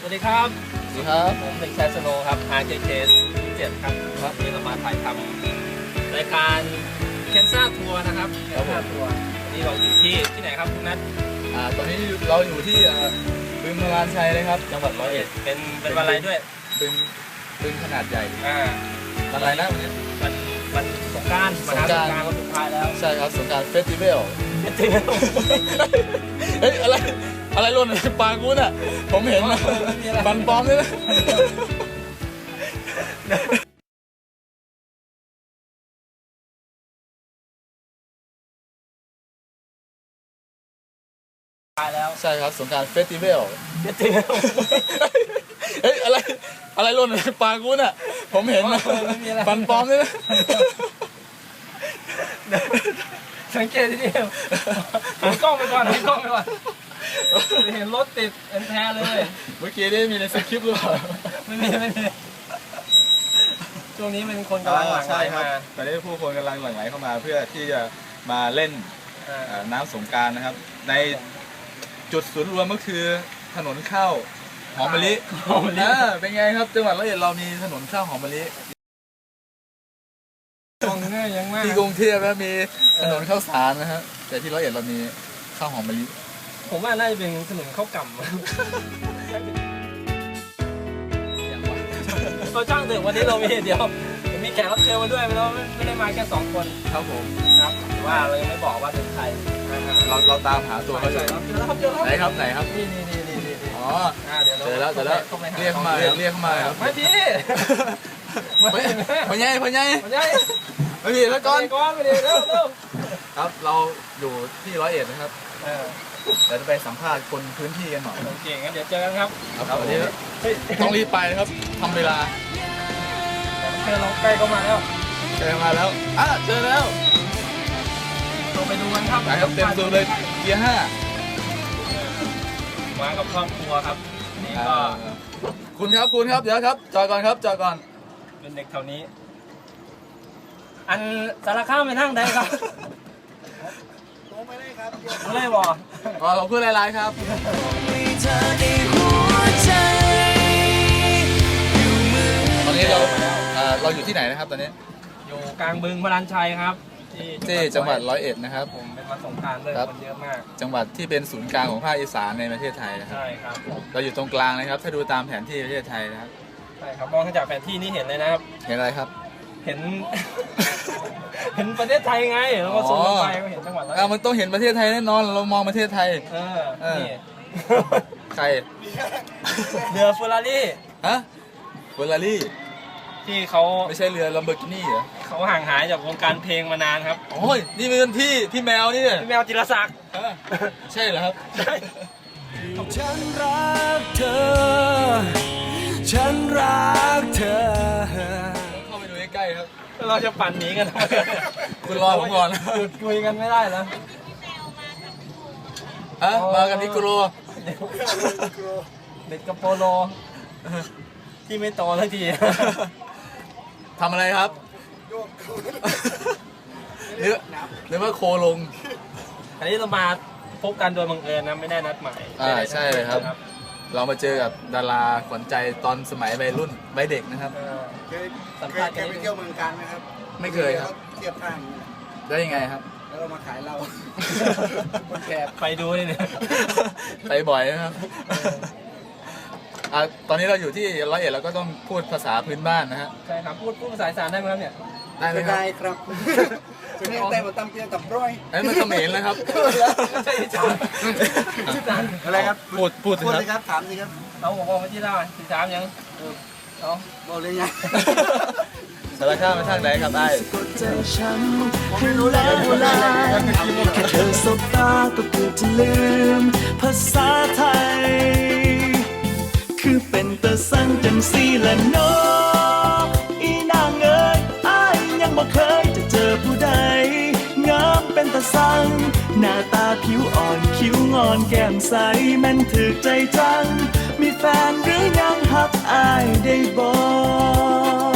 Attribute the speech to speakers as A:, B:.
A: สวัสดีครับ
B: สวัสดีครับ
A: ผมเด็กชายสโนว์ครับ RJK 07ครับวันนี้เรามาถ่ายทำรายการเคนซ่าทัวร์นะครับเคนซ่าทัวร์วันนี้เราอยู่ที่ไหนครับคุณนัท
B: ตอนนี้เราอยู่ที่บึงพลานชัยเลยครับจังหวัด101
A: เป็นวันอะไรด้วย
B: บึงขนาดใหญ่วันอะไรนะวันนี้
A: วันสงกรานต์มหาสงกรานต์วันสุดท้ายแล้ว
B: ใช่ครับสงกรานต์เฟสติวัลเฮ้ยอะไรหล่นในปากกูน่ะผมเห็นฟันปลอมเลยนะใช่ครับสงกรานต์เฟสติวัลเฮ้ยอะไรหล่นในปากกูน่ะผมเห็นฟันปลอมเลยนะ
A: สังเกตที่นี่หันกล้องไปก่อนเห็นรถติดแท้เลย
B: เมื่อกี้ได้มีในสคริปต์หรือเปล่า
A: ไม่มีช่วงนี้เป็นคนกำลังหลั่งไหลมา
B: ตอนนี้ผู้คนกำลังหลั่งไหลเข้ามาเพื่อที่จะมาเล่นน้ำสงกรานต์นะครับในจุดศูนย์รวมก็คือถนนข้าวหอมมะลิเป็นไงครับจังหวัด101เรามีถนนข้าวหอมมะลิที่กรุงเทพแล้วมีถนนข้าวสารนะฮะแต่ที่101เรามีข้าวหอมมะลิ
A: ผมว่าน่าจะเป็นถนนข้าวกล่ำเราจ้างถึงวันนี้เรามีแขกรับเชิญมาด้วยไม่ได้มาแค่2 คน
B: ครับผม
A: ครับว่าเรายังไม่บอกว่าเป็นใคร
B: เราตามหาตัวเขาอยู่ไหนครับ
A: นี่
B: อ๋อเจอแล้วเรียกเข้ามาครับ
A: ไม่พี่
B: พ่อใหญ่ไม่มีแล้วก่อน
A: ไม่ดีเร็ว
B: ครับเราอยู่ที่101นะครับเดี๋ยวจะไปสัมภาษณ์คนพื้นที่กันหน่อย
A: โอเคงั้นเดี๋ยวเจอกันครับ
B: วันนี้ต้องรีบไปครับทำเวลา
A: เจอเราใกล้ก็มาแล้ว
B: เจอแล้วเจอแล้ว
A: เราไปดูกันครับ
B: เต็มตัวเลยเกียร์5
A: มากับครอบครัวครับนี่ก็
B: คุณครับเดี๋ยวครับจอดก่อน
A: เป็นเด็กแถวนี้อันสารข้ามไปนั่งได้ครับลงไปได้ครับไม่บอก
B: ขอบคุณหลายๆครับตอนนี้เราอยู่ที่ไหนนะครับตอนนี้
A: อยู่กลางบึงพลานชัยครับ
B: ที่จังหวัด101นะครับ
A: ผมเป็นวันสงกรานต์เลยคนเยอะมาก
B: จังหวัดที่เป็นศูนย์กลางของภาคอีสานในประเทศไทยนะครับ
A: ใช่ครับ
B: เราอยู่ตรงกลางนะครับถ้าดูตามแผนที่ประเทศไทยนะครับ
A: ใช่ครับมองจากแผนที่นี้เห็นเลยนะครับ
B: เห็นอะไรครับ
A: เห็นประเทศไทยไงเราก็สูงไปก็เห็นจังหวัดแล้ว
B: มันต้องเห็นประเทศไทยแน่นอนเรามองประเทศไทย
A: นี่
B: ใคร
A: เรือเฟอร์รารี่
B: เฟอร์รารี่
A: ที่เขา
B: ไม่ใช่เรือลัมโบกินี่เหรอ
A: เขาห่างหายจากวงการเพลงมานานครับ
B: โอ้ยนี่เป็นพี่แมวนี่
A: พี่แมวจิรศักดิ์
B: ใช่เหรอครับ
A: ใช่
C: ฉันรักเธอเข้
B: าไปดูใกล้ๆครับ
A: เราจะปั่นหนีกัน
B: คุณรอผมก่อน
A: หยุดคุยกันไม่ได้แล้ว
B: มากันนิโกโร
A: เด็กกับโปโลที่ไม่โตสักที
B: ทำอะไรครับหรือว่าโคลง
A: อันนี้เรามาพบกันโดยบังเอิญนะไม่ได้นัดหมาย
B: ใช่เลยครับเรามาเจอกับดาราขวัญใจตอนสมัยวัยเด็กนะครับ
C: สัมภาษณ์กันไปเที่ยวเมืองการไหมครับ
B: ไม่เคยครับ
C: เทียบข้าง
B: ได้ยังไงครับ
C: แล้วเรามาขายเรา
A: คนแก่ไปดูเลยเนี่ย
B: ไปบ่อยนะครับตอนนี้เราอยู่ที่101เราก็ต้องพูดภาษาพื้นบ้านนะฮะ
A: ใช่ครับพูดภาษาอีสานได้ไหมครับเนี่ย
C: ได้ครับจะไม่แต่มาตำเพียงกับร้อย
B: มันเขมรเลยครับ
A: ใช่อีสาน
C: อะไรครับ
B: พูด
C: สิครับถามสิครับ
A: เอาบอกมาที่เล่าอีสานยังเอา
C: บอกเลยไง
B: สารคามมาทางไหนครับได้
C: ให้รู้แล้วแค่เธอสบตาก็เกือบจะลืมภาษาไทยคือเป็นตะสั่งจังสีละโนอีนางเอ๋ยอ้ายยังบ่เคยจะเจอผู้ใดงามเป็นตะสั่งหน้าตาผิวอ่อนคิ้วงอนแก้มใสแม่นถึกใจจังมีแฟนหรือยังฮักอ้ายได้บ่